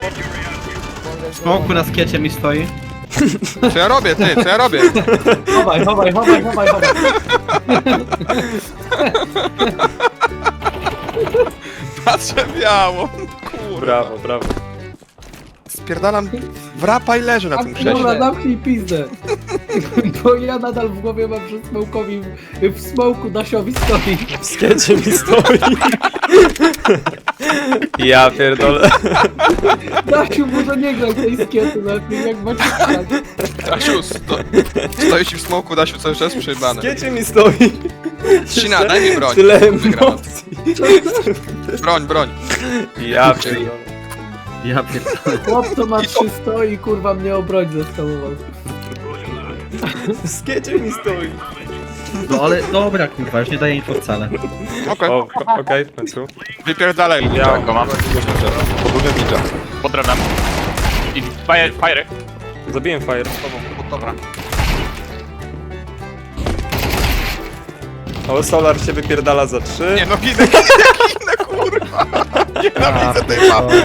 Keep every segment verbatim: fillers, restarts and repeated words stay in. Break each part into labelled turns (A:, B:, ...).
A: Smoku na skiecie mi stoi.
B: Co ja robię, ty? Co ja robię?
C: Chowaj, chowaj, chowaj, chowaj, chowaj.
B: Patrzę biało. Kurwa.
D: Brawo, brawo.
B: Spierdalam w rapa i leżę na tym
C: Dobra,
B: krześle.
C: zamknij pizdę. Bo ja nadal w głowie mam, że smokowi w smoku Dasiowi stoi.
D: W skiecie mi stoi. Ja pierdolę.
C: Dasiu, może nie graj tej skiety lepiej, jak macie grać.
B: Dasiu, sto... stoi ci w smoku, Dasiu, cały czas
D: W
B: przejebane.
D: skiecie mi stoi.
B: Ścina, daj mi broń.
D: Tyle
B: Wygrałem.
D: emocji.
B: Broń, broń.
D: Ja pierdolę.
A: Ja pierdolę.
C: Chłop, co ma trzy stoi, kurwa mnie o broń zestawował.
D: W skiecie mi stoi.
A: No ale dobra kurwa, już nie daję info wcale.
B: Okej,
D: O, okej, w końcu.
B: wypierdalaj.
D: Ja
E: go mam.
B: Podróżę ninja.
E: Pod drewnem. I fire, fire.
D: Zabiłem fire.
E: Dobra.
D: O, Solar się wypierdala za trzy.
B: Nie no, ginę, ginę, ginę, kurwa. Nienawidzę tej mapy,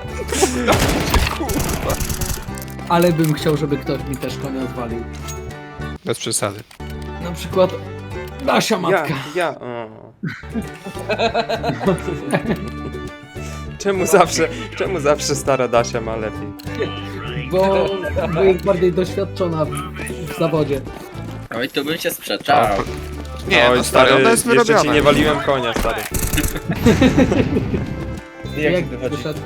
B: kurwa.
C: Ale bym chciał, żeby ktoś mi też konia odwalił.
B: Bez przesady.
C: Na przykład Dasia matka.
D: Ja, ja. O. Czemu zawsze, czemu zawsze stara Dasia ma lepiej?
C: Bo, bo jest bardziej doświadczona w, w zawodzie.
A: Oj, to bym się sprzeczał.
B: Nie,
D: Oj,
B: no stary, ona jest
D: jeszcze ci
B: wyrobiona.
D: nie waliłem konia, stary.
C: Jak wyszedł?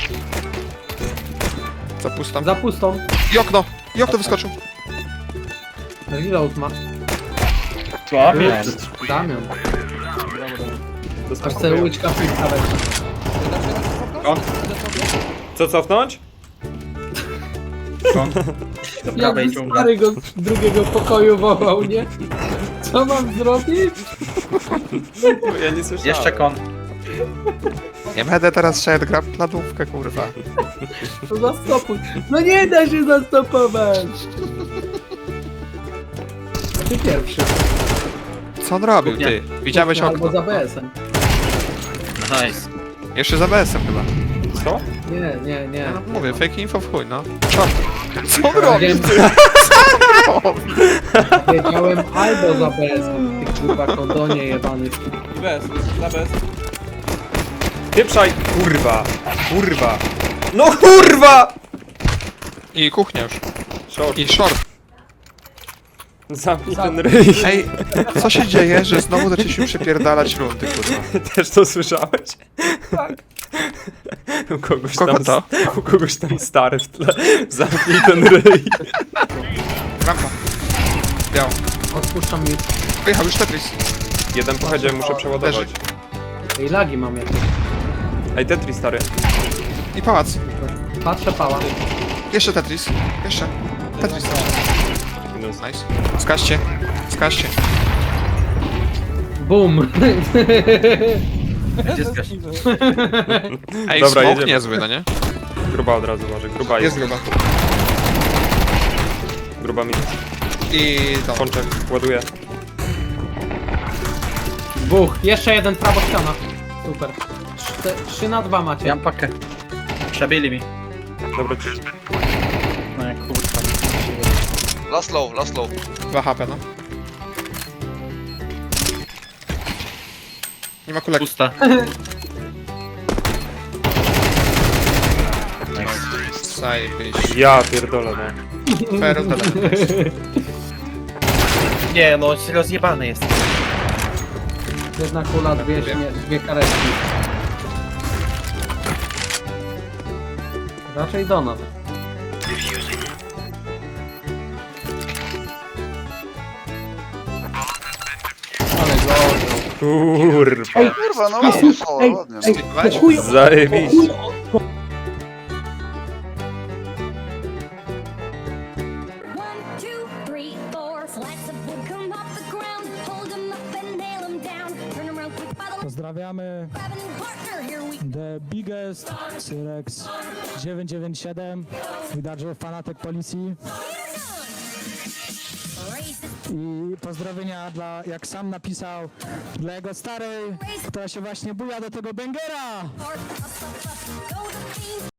B: Zapustam.
C: Za pustą.
B: I okno, i okno wyskoczył.
C: Reload ma.
A: Co?
C: Damian.
D: To
C: Aż
D: smakuje.
C: sobie łyczka piwka weź.
D: Co cofnąć?
A: Do prawej
C: Jakby
A: dżungla.
C: stary go z drugiego pokoju wołał, nie? Co mam zrobić?
D: Ja nie słyszałem.
A: Jeszcze kon.
B: Nie będę teraz szedł, gra pladówkę, kurwa.
C: To zastopuj. No nie da się zastopować. Ty pierwszy.
B: Co on robił, ty? Widziałeś
C: Albo
B: okno?
C: za B S-em.
A: Nice.
B: Jeszcze za B S-em chyba.
D: Co?
C: Nie, nie, nie.
B: No, mówię, fake info w chuj, no. Co? Co on robi?
C: Wiem, wiedziałem albo za B S-em. Ty kurwa kondonie jebany.
F: Bez, na bez.
D: Pieprzaj! Kurwa! Kurwa! No kurwa!
B: I kuchnia już.
D: Short.
B: I short.
D: Zamknij ten ryj.
B: Ej, co się dzieje, że znowu zaczęliśmy przepierdalać rundy, kurwa?
D: Też to słyszałeś? Tak. U kogoś
B: Kogo
D: tam,
B: to?
D: U kogoś tam stary w tle. Zamknij ten ryj.
B: Rampa. Biało.
C: Odpuszczam mi.
B: Wyjechał już Tetris.
D: Jeden pochodzie, muszę przeładować.
C: Ej, lagi mam jakieś.
D: Ej, Tetris stary.
B: I pałac.
C: Patrzę pała.
B: Jeszcze Tetris. Jeszcze. Tetris.
D: Minus.
B: Nice. Skaźcie. Skaźcie.
C: Bum.
A: Gdzie zgaś?
B: Ej,
D: Dobra,
B: smoke
D: jedziemy.
B: niezły, no nie?
D: Gruba od razu może. Gruba
B: Jest
D: jest.
B: gruba.
D: Gruba minus.
B: I to.
D: Pączek, ładuję.
C: Buch. Jeszcze jeden prawo ściana. Super. Czte, trzy na dwa macie.
A: Ja mam pakę. Przebili mi.
D: Dobra, ci.
A: No jak kurwa.
E: Last low, last low.
B: dwa H P, no. Nie ma kulek.
A: Pusta.
B: Zajebiście.
D: Ja pierdolę, no.
B: Fair tyle.
A: Nie no, rozjebany jest.
C: Jedna kula, dwie, śmie- dwie karetki. Raczej do nas. Ale gorzej.
D: Kurwa.
C: Ej,
E: Kurwa, no
C: Ej,
E: o,
C: ej,
E: ładnie.
C: ej,
B: Weź.
C: po chuj,
D: Zajebiście.
G: One, two, three, four. Slats of wood come off the ground. Hold 'em up and nail 'em down. Turn around quick by the
H: Pozdrawiamy
G: grabbing partner. Here we
H: The Biggest, Cyrex dziewięćset dziewięćdziesiąt siedem, widać, że fanatyk policji.
G: race this
H: I pozdrowienia dla, jak sam napisał, dla jego starej, która się właśnie buja do tego bangera.
G: part. Up, up, up. Go the fiend.